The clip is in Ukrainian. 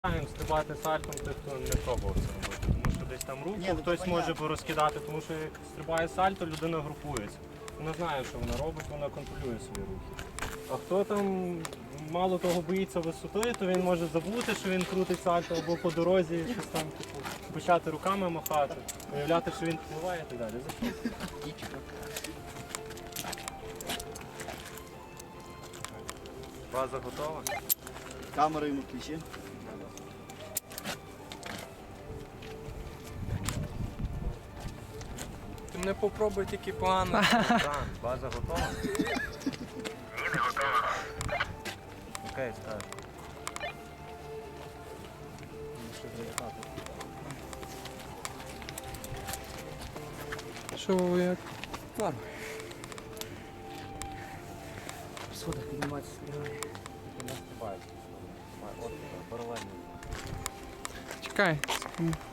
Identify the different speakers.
Speaker 1: Стрибати сальтом, той, хто не пробував це робити. Тому що десь там руку хтось може порозкидати, тому що як стрибає сальто, людина групується. Вона знає, що вона робить, вона контролює свої рухи. А хто там мало того боїться висоти, то він може забути, що він крутить сальто або по дорозі, щось там, типу, почати руками махати, уявляти, що він впливає і так далі. База готова?
Speaker 2: Камеру йому включи.
Speaker 3: Ти мене попробуй тільки погано.
Speaker 1: Так, база готова?
Speaker 4: Не готова.
Speaker 1: Окей, скажу.
Speaker 3: Що як?
Speaker 2: В сходах підніматися співає.
Speaker 1: Не стрибають. От паралельно.
Speaker 3: Чекай.